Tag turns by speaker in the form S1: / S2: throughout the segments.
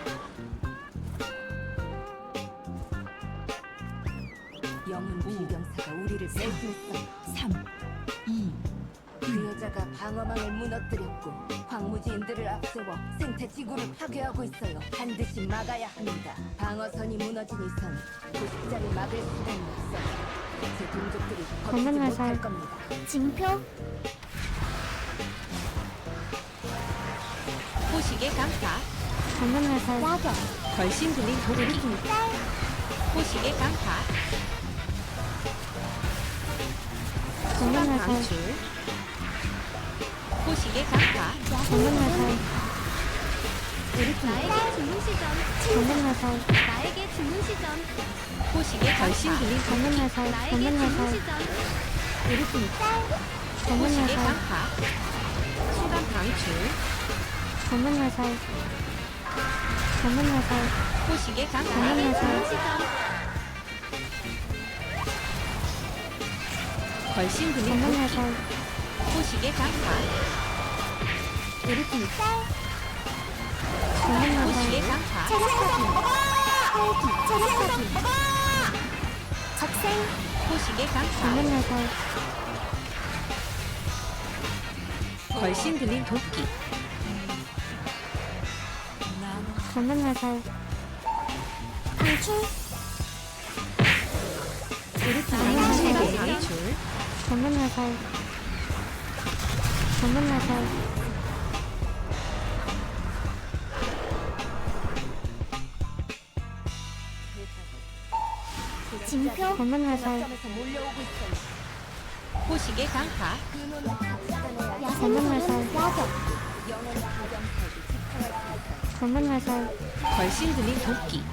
S1: 영웅 비병사가 우리를 배신했어.
S2: 3, 2,
S1: 그 여자가 방어망을 무너뜨렸고 황무지인들을 앞세워 생태 지구를 파괴하고 있어요. 반드시 막아야 합니다. 방어선이 무너진 이상 도식자를 막을 수단이 없어요. 제 동족들이 버티지
S3: 건강
S1: 못할
S3: 화살.
S1: 겁니다.
S3: 징표
S2: 호식의 강타,
S3: 전문화살
S1: 야경
S2: 걸신 들린 도끼, 호식의 강타, 순간
S3: 전문화살
S2: 방출, 호식의 강타,
S3: 전문화살
S4: 나에게 주문 시점,
S3: 전문화살
S4: 나에게 주문 시점,
S2: 호식의 걸신 들린 도끼,
S3: 전문화살
S4: 나에게 주문
S3: 전문화살
S4: 시점,
S2: 호식의
S3: 전문화살
S2: 강타, 순간 방출,
S3: 전문화살 전문화살
S2: 호식의 강타,
S3: 전문화살
S4: 시점,
S2: 걸신 들린 도끼,
S3: 전문화살
S2: 호식의 강타,
S3: 전문화살
S2: 호식의 강타,
S4: 적생,
S2: 호식의 강타,
S3: 전문화살
S2: 걸신 들린 도끼,
S3: 전문화살
S4: 방출,
S2: 순간 방출,
S3: 전문화살 전문화살
S4: 징표,
S3: 전문화살
S1: 점에서 몰려오고 있어요.
S2: 호식의 강타,
S1: 근원을 찾아내야 해.
S3: 전문화살
S4: 야경,
S1: 영웅 비병사에게 집행할 수 있어요.
S3: 전문화살
S2: 걸신 들린 도끼,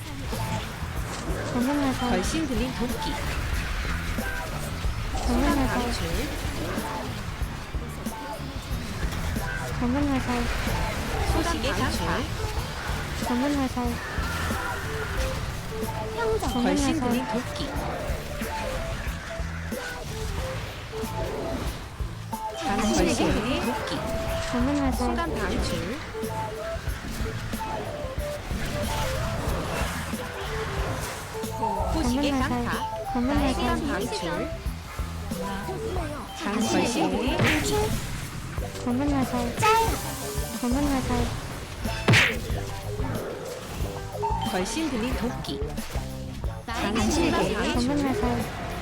S3: 전문화살
S2: 걸신 들린 도끼, 순간
S3: 전문화살
S2: 방출,
S3: 전문화살
S2: 호식의 강타,
S3: 전문화살
S4: 평정,
S2: 걸신
S3: 전문화살
S2: 들린 도끼, 걸신 들린 도끼,
S3: 전문화살
S2: 순간 방출, 호식의 강타,
S3: 전문화살
S2: 순간
S3: 전문화살
S2: 방출, 걸신 들린 도끼,
S3: 전문화살 전문화살
S2: 걸신 들린 도끼,
S4: 나에게
S2: 당신에게
S4: 주문 시점,
S3: 전문화살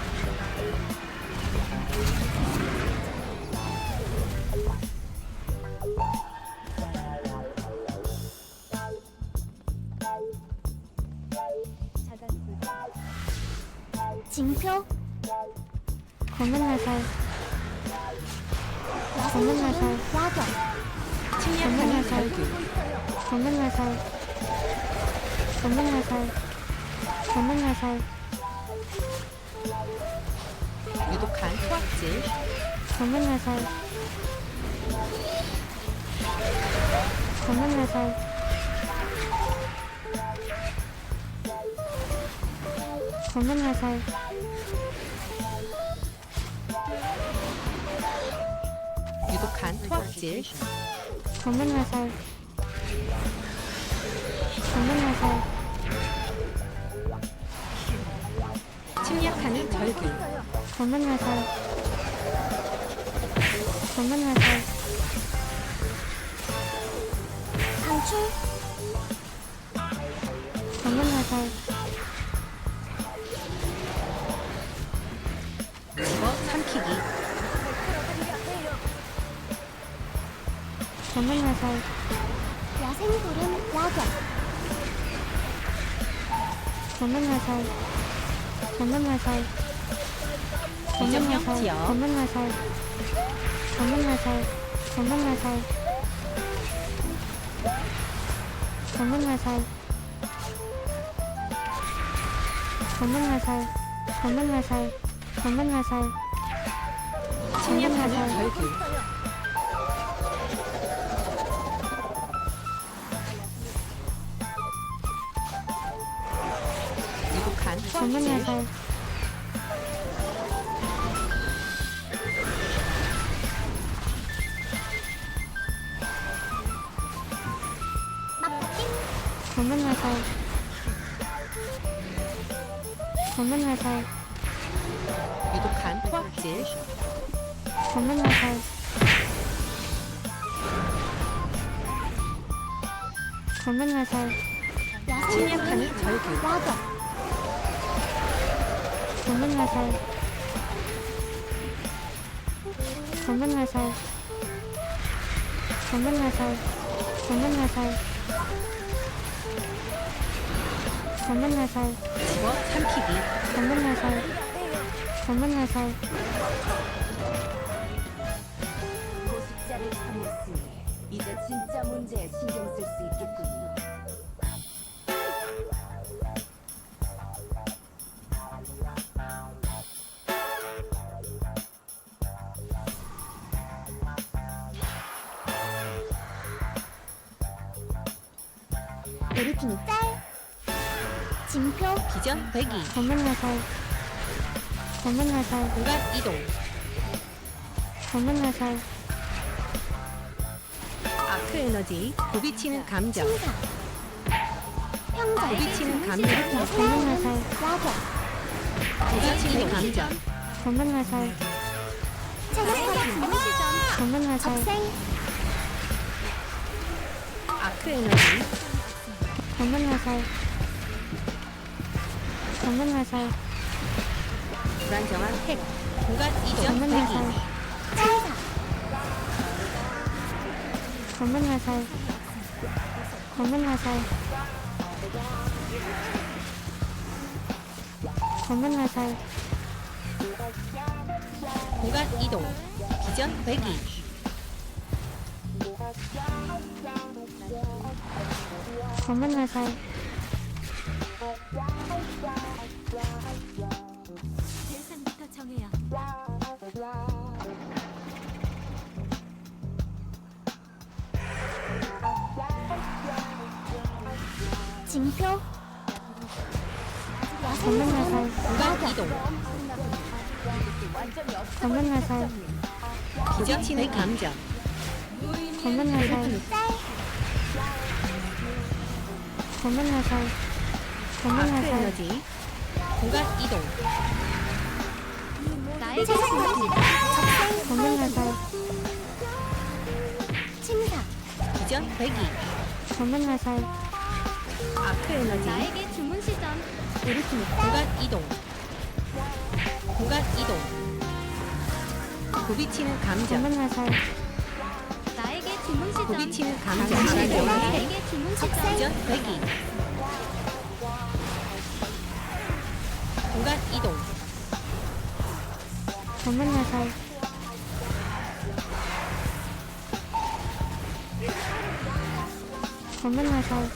S4: 징표,
S3: 전문화살 전문화살
S4: 야경,
S2: 침략하는 결국,
S3: 전문화살 전문화살 전문화살
S2: 유독한 토악질,
S3: 전문화살 전문화살 전문화살
S2: 유독한 토악질,
S3: 전문화살 전문화살
S2: 침략하는 절규,
S3: 전문화살 전문화살
S4: 방출,
S3: 전문화살
S2: 집어 삼키기,
S3: 전문화살
S4: 야생구름, 야경,
S3: 전문화살 전문화살
S2: 비점령
S3: 전문화살
S2: 지역,
S3: 전문화살 전문화살 전문화살 전문화살 전문화살 전문화살 전문화살
S2: 침략하는
S3: 전문화살
S2: 절규, 유독한 토악질,
S3: 전문화살 검은 화살, 검은 화살,
S2: 유독한 토악질,
S3: 검은 화살, 검은 화살,
S2: 침략하는 절규,
S4: 야경,
S3: 검은 화살, 검은 화살, 검은 화살, 검은 화살, 검은 화살,
S2: 집어 삼키기,
S3: 검은 화살, 검은 화살,
S1: 고식자를 참였으니 이제 진짜 문제에 신경 쓸 수 있겠군요.
S4: 우리 팀이 짤. 징표,
S2: 기전 배기,
S3: 검은 화살, 검은 화살,
S2: 공간 이동,
S3: 검은 화살,
S2: 아크 에너지, 부비치는 감정,
S4: 침사, 평정,
S2: 부비치는 감정,
S3: 검은 화살,
S4: 야경,
S2: 부비치는 감정,
S3: 검은 화살,
S4: 체력적인 시점,
S3: 검은 화살,
S4: 적생,
S2: 아크 에너지,
S3: 검은 화살, 검은 화살,
S2: 불안정한 핵, 공간 이전
S3: 검은
S2: 배기,
S3: 화살,
S4: 짤사,
S3: 검은 화살, 검은 화살, 검은 화살,
S2: 공간 이동, 기전 배기,
S3: 검은 화살,
S1: 대상부터 정해야
S4: 징표,
S3: 검은
S4: 야생,
S3: 화살,
S2: 공간 이동,
S1: 완전히 없어.
S3: 검은 화살,
S2: 부비치는 감정,
S3: 검은 화살,
S4: 짤,
S3: 검은 화살, 검은
S2: 아크
S3: 화살,
S2: 에너지, 공간 이동,
S4: 나에게 적생,
S3: 검은 화살,
S4: 침사,
S2: 기전 배기,
S3: 검은 화살,
S2: 아크 에너지,
S4: 나에게 주문 시점, 우리 팀이
S2: 공간 이동, 공간 이동, 부비치는 감정,
S3: 검은 화살,
S4: 나에게 주문 시점,
S2: 부비치는 감정,
S3: 감정.
S4: 나에게 주문 시점,
S2: 기전 배기, 공간 이동,
S3: 검은 화살, 검은 화살,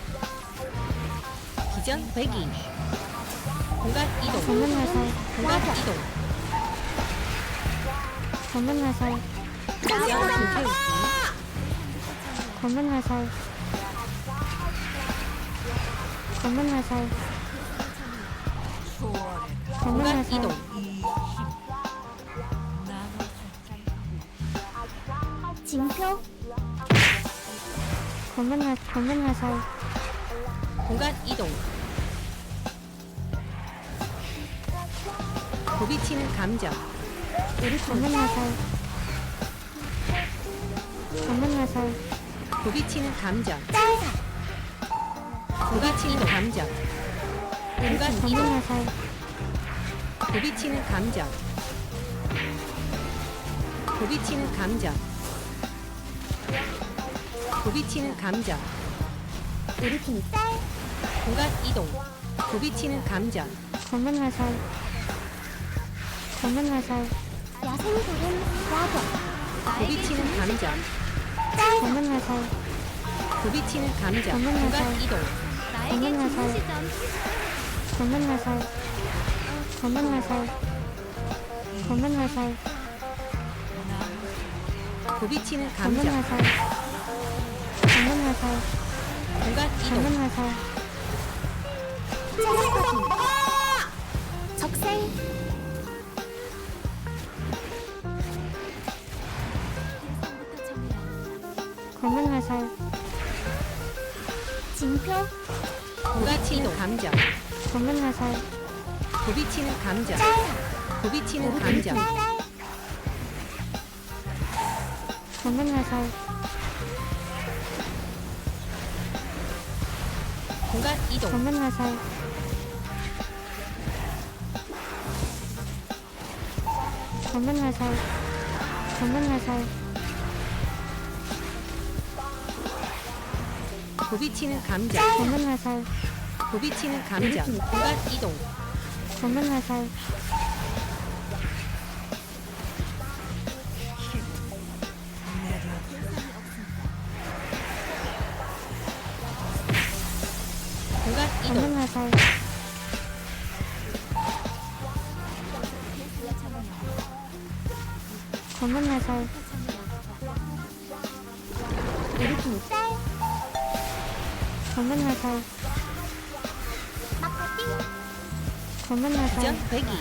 S2: 기전 배기, 공간 이동,
S3: 검은 화살,
S2: 공간 이동,
S3: 검은 화살,
S2: 기전 불태우기,
S3: 검은 화살, 검은 화살, 검은
S2: 공간
S3: 화살,
S2: 이동,
S4: 징표,
S3: 검은 화살,
S2: 공간 이동, 부비치는 감정,
S3: 검은 화살, 검은 화살,
S2: 부비치는 감정,
S4: 짤사,
S2: 부비치는 감정, 공간
S3: 검은
S2: 이동,
S3: 화살,
S2: 부비치는 감정, 부비치는 감정, 부비치는 감정,
S4: 우리 팀이 짤,
S2: 공간 이동, 부비치는 감정,
S3: 검은 화살, 검은 화살,
S4: 야생구름, 야경,
S2: 부비치는 감정,
S3: 검은 화살,
S2: 부비치는 감정,
S3: 검은
S2: 공간
S3: 화살.
S2: 이동,
S4: 나에게
S3: 검은
S4: 주문
S3: 화살.
S4: 시점,
S3: 검은 화살, 검은 화살, 검은 화살,
S2: 부비치는
S3: 검은
S2: 감정,
S3: 화살, 검은 화살,
S2: 공간 이동,
S3: 검은 화살,
S4: 체력적인 적생,
S3: 검은 화살,
S4: 징표,
S2: 부딪히는 감정.
S3: 전문 화살.
S2: 부딪히는 감정. 부딪히는 감정.
S3: 전문 화살.
S2: 공간 이동.
S3: 전문 화살. 전문 화살. 전문 화살.
S2: 부딪히는 감정.
S3: 전문 화살.
S2: 부딪히는 감정. 공간 이동.
S3: 전문 화살.
S2: 공간 이동.
S3: 전문 화살. 전문 화살.
S4: 일으키니 쌀.
S3: 전문 화살.
S4: 막파띵.
S3: 전문 화살.
S2: 기전 배기.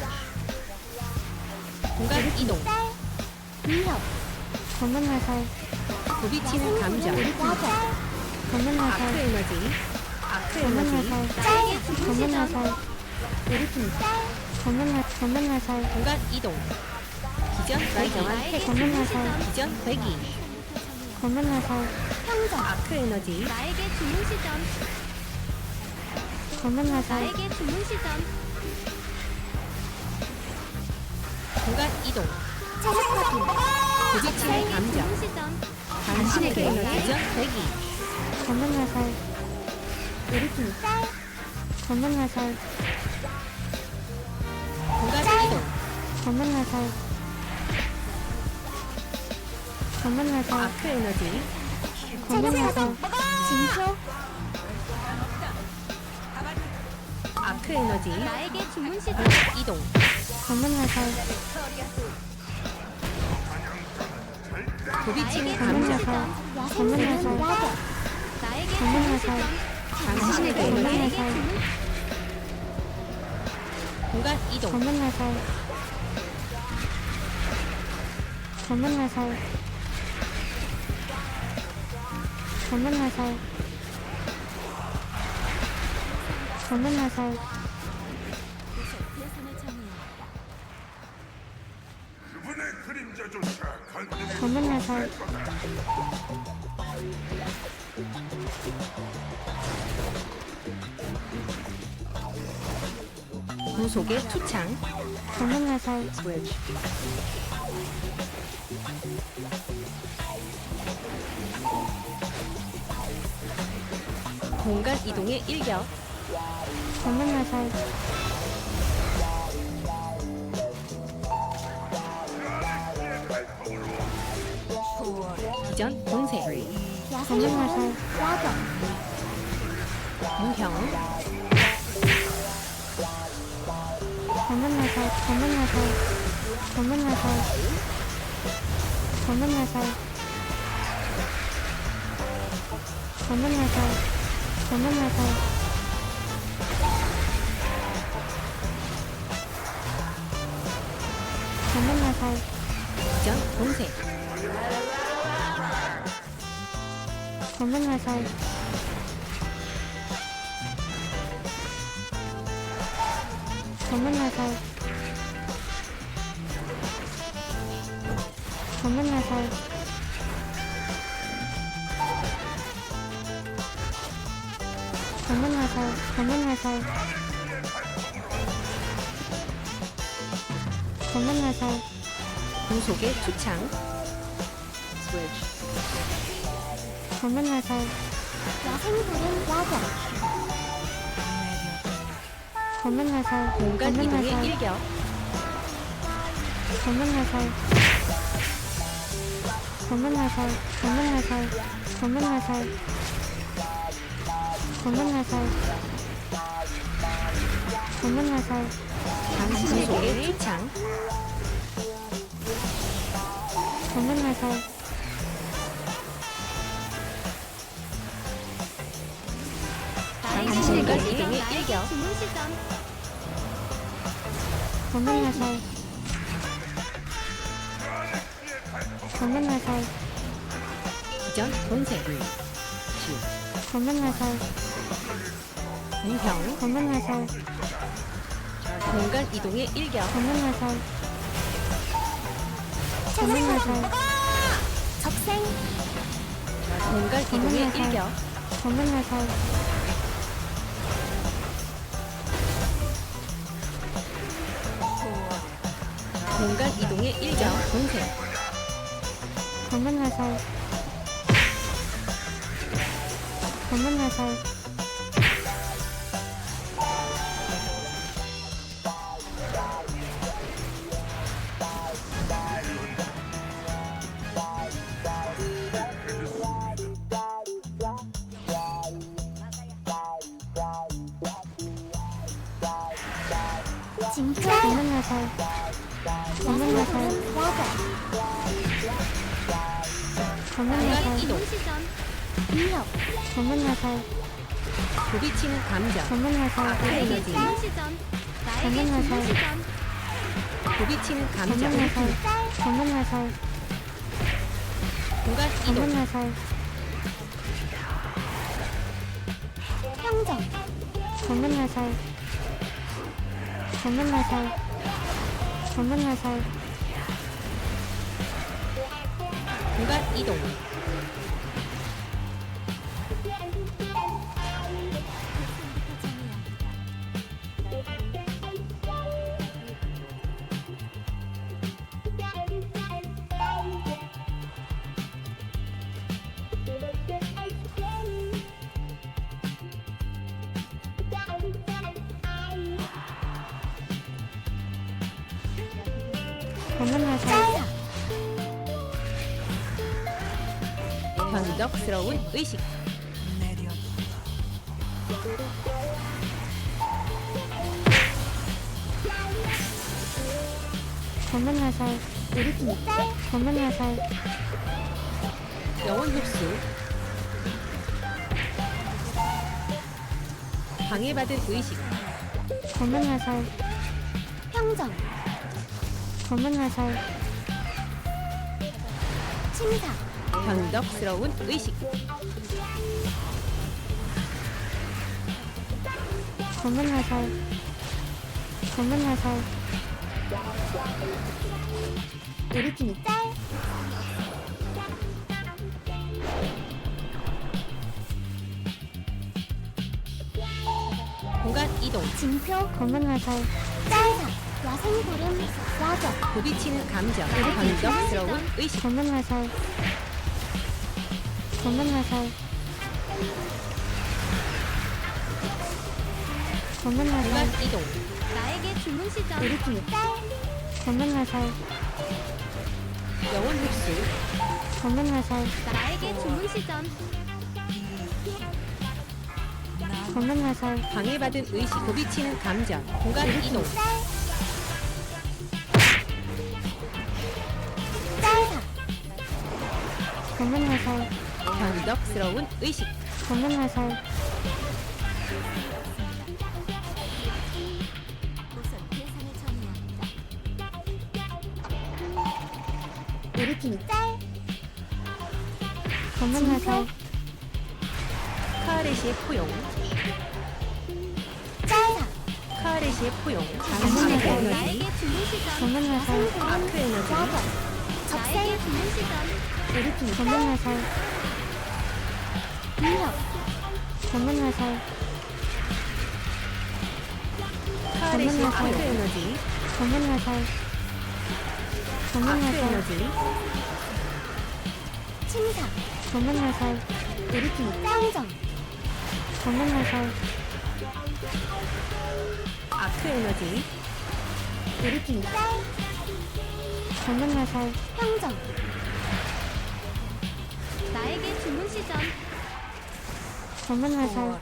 S2: 공간 이동.
S4: 쌀. 위협.
S3: 전문 화살.
S2: 부딪히는 감정.
S4: 야경.
S3: 전문
S2: 아크
S3: 화살.
S2: 에너지. 아크
S3: 전문
S2: 에너지.
S3: 화살.
S4: 쌀.
S3: 전문 화살.
S4: 일으키니 쌀.
S3: 전문 화살.
S2: 공간 이동. 기전 배기.
S3: 전문 화살.
S2: 기전 배기.
S3: 전문 화살.
S4: 평정.
S2: 아크 에너지.
S4: 나에게 주문 시점.
S3: 전문 화살.
S4: 나에게 주문 시점.
S2: 공간 이동.
S4: 체력 확인.
S2: 부딪히는
S4: 나에게
S2: 감정.
S4: 주문 시점.
S2: 당신에게
S4: 나에게
S2: 기전 배기.
S3: 전문 화살.
S4: 일으키니 쌀.
S3: 전문 화살.
S2: 공간 이동.
S3: 전문 화살. 전문 화살.
S2: 아크 에너지.
S3: 전문 화살.
S4: 징표.
S2: 아크 에너지.
S4: 나에게 주문 시점.
S2: 공간 이동.
S3: 전문 화살.
S2: 부딪히는
S3: 전문
S2: 감정.
S3: 화살. 전문 화살.
S4: 야경. 나에게
S3: 전문
S4: 주문
S3: 화살.
S4: 시점.
S2: 당신에게
S3: 전문
S2: 에너지.
S3: 화살.
S2: 공간 이동.
S3: 전문 화살. 전문 화살. 전문 화살. 전문 화살.
S5: 그분의 그림자조차 건드릴
S3: 전문 화살.
S2: 구속의 투창.
S3: 전문 화살.
S2: 공간 이동의 일격.
S3: 전문 화살.
S2: 기전 공세.
S3: 전문 화살.
S4: 야경.
S2: 무형.
S3: 전문 화살. 전문 화살. 전문 화살. 전문 화살. 전문 화살. 전문 화살. 전문 화살.
S2: 기전 공세.
S3: 전문 화살. 전문 화살. 전문 화살. 전문 화살. 전문 화살. 전문 화살.
S2: 구속의 투창.
S3: 전문 화살.
S4: 야생불은 야경.
S3: 전문 화살.
S2: 공간
S3: 전문
S2: 이동의
S3: 화살.
S2: 일격.
S3: 전문 화살. 전문 화살. 전문 화살. 전문 화살. 전문 화살. 전문 화살.
S2: 구속의 투창.
S3: 전문 화살.
S2: 공간 이동의 일격.
S4: 주문 시점.
S3: 전문 화살. 전문 화살.
S2: 기전 공세.
S3: 전문 화살.
S2: 공평,
S3: 검은 화살,
S2: 공간 이동의 일격,
S3: 검은 화살, 검은 화살,
S4: 적생.
S2: 공간 이동의
S3: 화살.
S2: 일격,
S3: 검은 화살,
S2: 공간 이동의 일격, 공세,
S3: 검은 화살, 검은 화살,
S4: 징표.
S3: 검은 화살, 검은 화살,
S4: 야경.
S3: 검은
S2: 공간
S3: 화살,
S2: 이동,
S4: 시전. 위협.
S3: 검은 화살,
S2: 부비치는 감정,
S3: 검은 화살,
S4: 나에게
S2: 에너지,
S4: 주문 시전. 나에게
S3: 검은
S4: 주문
S3: 화살.
S4: 시전.
S2: 부비치는 감정,
S3: 검은 화살, 검은 화살,
S2: 공간
S3: 검은
S2: 이동,
S3: 화살,
S4: 평정.
S3: 검은 화살, 검은 화살, 검은 화살,
S2: 공간 이동,
S3: 검은 화살,
S2: 변덕스러운 의식,
S3: 검은 화살, 검은 화살,
S2: 영혼 흡수, 방해받은 의식,
S3: 검은 화살,
S4: 평정.
S3: 검은 화살,
S4: 침사.
S2: 변덕스러운 의식,
S3: 검은 화살, 검은 화살,
S4: 우리 팀이 짤.
S2: 공간 이동,
S4: 징표.
S3: 검은 화살,
S4: 짤사. 야생구름. 야경.
S2: 부비치는 감정, 변덕스러운 의식,
S3: 검은 화살, 검은 화살, 검은 화살,
S2: 공간 이동,
S4: 나에게 주문 시전. 우리 팀이 짤.
S3: 검은 화살,
S2: 영혼 흡수,
S3: 검은 화살,
S4: 나에게 주문 시전.
S3: 검은 화살,
S2: 방해받은 의식, 부비치는 감정, 공간 이동,
S4: 짤사.
S3: 검은 화살,
S2: 변덕스러운 의식,
S3: 검은 화살,
S4: 우리 팀이 짤.
S3: 검은 화살,
S2: 카아레시의 포용,
S4: 짤사.
S2: 카아레시의 포용,
S3: 검은
S2: 당신의
S3: 화살.
S2: 에너지,
S4: 나에게 주문 시전.
S3: 검은 화살,
S2: 아크 에너지,
S4: 야경. 적생. 주문 시전. 우리 팀이
S3: 검은
S4: 짤.
S3: 화살,
S4: 위협.
S3: 검은 화살,
S2: 카아레시의
S3: 검은 화살.
S2: 아크 에너지,
S3: 검은 화살, 검은
S2: 아크
S3: 화살,
S2: 에너지,
S4: 침사.
S3: 검은 화살,
S4: 우리 팀이 평정.
S3: 검은 화살,
S2: 아크 에너지,
S4: 우리 팀이 짤.
S3: 검은 화살,
S4: 평정. 나에게 주문 시전.
S3: 검은 화살,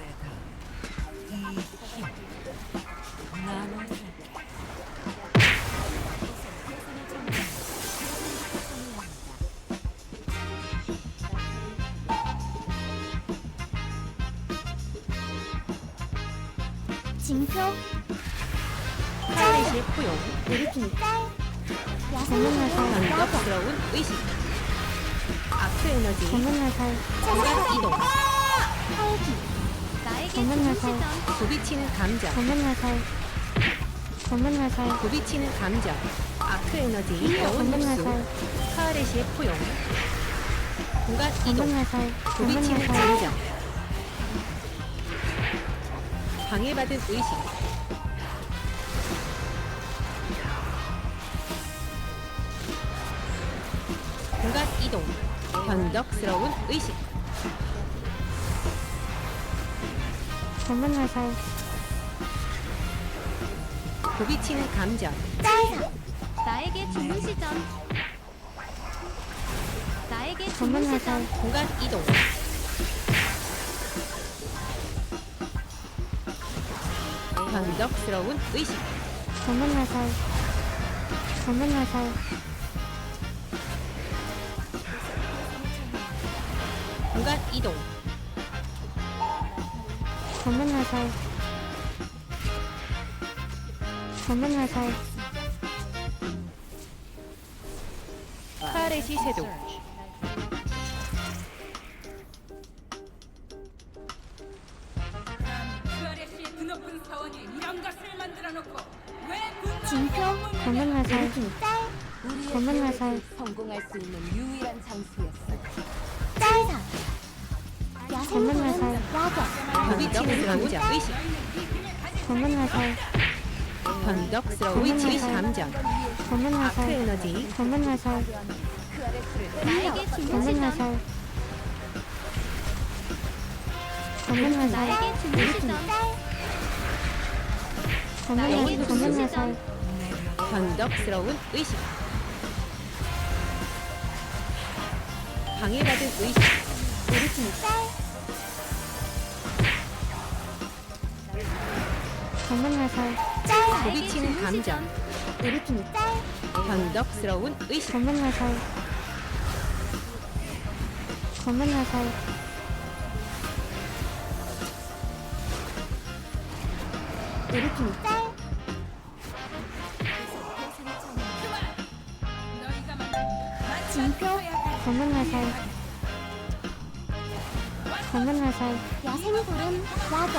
S4: 징표.
S2: 카아레시의 포용,
S4: 우리 팀이 짤.
S3: 검은 화살,
S2: 변덕스러운 의식, 아크 에너지,
S3: 검은 화살,
S2: 공간 이동,
S4: 활기. 나에게
S3: 검은 화살,
S2: 부비치는 감정.
S3: 검은 화살, 검은 화살,
S2: 부비치는 감정. 아크 에너지. 영혼
S3: 검은
S2: 흡수.
S3: 화살,
S2: 카레시의 포용. 공간 이동.
S3: 검은 화살, 검은
S2: 부비치는
S3: 화살,
S2: 감정. 방해받은 의식. 공간 이동. 변덕스러운 의식.
S3: 검은 화살,
S2: 부비치는 감정.
S4: 나에게 주문 시점. 나에게 주문
S3: 검은
S4: 시점.
S3: 화살,
S2: 공간 이동. 변덕스러운 의식.
S3: 검은 화살, 검은 화살,
S2: 공간 이동.
S3: 검은 화살, 검은 화살,
S2: 카레시 쇄도.
S4: 징표.
S3: 검은 화살,
S1: 우리의
S3: 검은
S1: 계획을
S3: 화살.
S1: 성공할 수 있는 유일한 장소였어.
S4: 짤사.
S3: 검은
S4: 야생불은
S3: 화살,
S4: 야경.
S2: 부비치는 감정. 의식.
S3: 검은 화살,
S2: 변덕스러운 의식 감정.
S3: 검은
S2: 아크
S3: 화살,
S2: 에너지.
S3: 검은 화살,
S1: 그 아래를
S4: 나에게 주문
S3: 검은
S4: 시점.
S3: 화살, 검은 화살,
S4: 나에게 주문 시점.
S3: 검은 화살,
S2: 변덕스러운 의식. 방해받은 의식.
S3: 검은 화살,
S2: 부비치는 감정. 변덕스러운 의식.
S3: 검은 화살, 검은 화살,
S4: 징표.
S3: 검은 화살, 검은 화살,
S4: 야생불은 야경.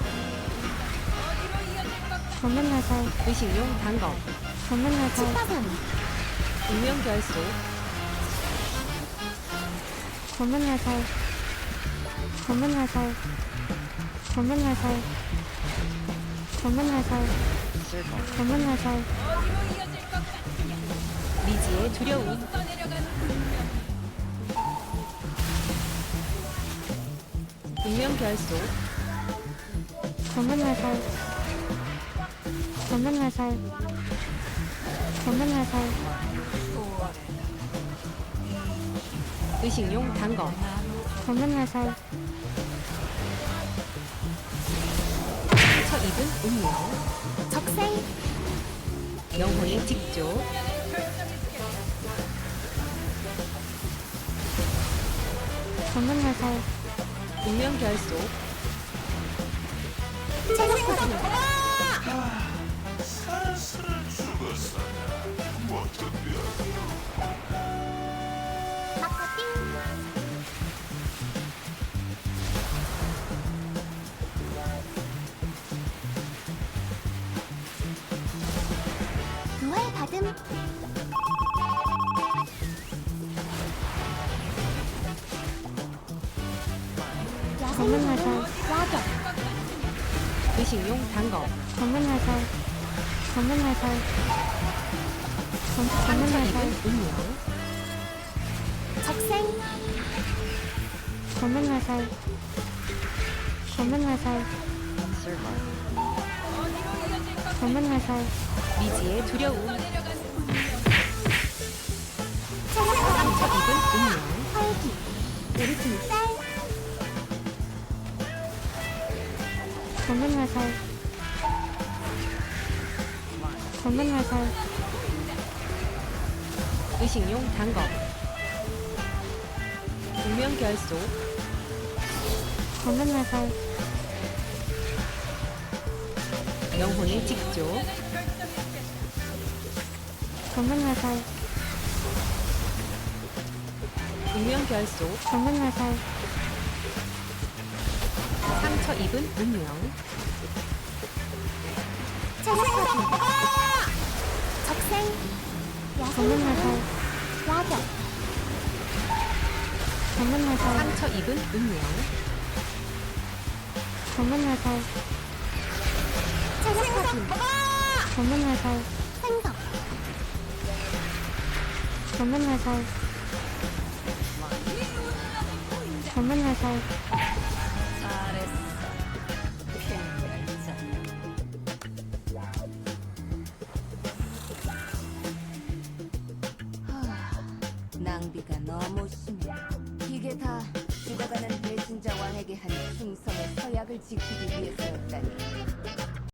S3: 검은 화살,
S2: 의식용 단검.
S3: 검은 화살,
S4: 치파선.
S2: 운명결소.
S3: 검은 화살, 검은 화살, 검은 화살, 검은 화살, 검은 화살,
S2: 미지의 두려움. 운명결소.
S3: 검은 화살, 검은 화살, 검은 화살,
S2: 의식용 단검.
S3: 검은 화살,
S2: 상처 입은 운명.
S4: 적생.
S2: 영혼의 직조.
S3: 검은 화살,
S2: 운명결소.
S4: 체력파선.
S5: 사슬을 죽었어.
S4: 마카띵. 부활 받음.
S3: 검은 화살,
S4: 야경.
S2: 의식용 단검.
S3: 검은 화살, 검은 화살, 검은
S2: 상처
S3: 화살,
S2: 입은 운명.
S4: 적생.
S3: 검은 화살, 검은 화살, 검은 화살,
S2: 미지의 두려움.
S4: 체력파선.
S2: 상처 입은 운명.
S4: 활기. 쌀.
S3: 검은 화살, 검은 화살,
S2: 의식용 단검. 운명결소.
S3: 검은 화살,
S2: 영혼의 직조.
S3: 검은 화살,
S2: 운명결소.
S3: 검은 화살,
S2: 상처 상처 입은 운명.
S4: 체력 확인. 적생.
S3: 검은
S4: 야생.
S3: 화살,
S4: 야경.
S3: 검은 화살,
S2: 상처 입은 운명.
S3: 검은 화살,
S4: 체력 확인.
S3: 검은 화살,
S4: 생성.
S3: 검은 화살, 검은 화살,
S1: 낭비가 너무 심해. 이게 다 죽어가는 배신자 왕에게 한 충성의 서약을 지키기 위해서였다니.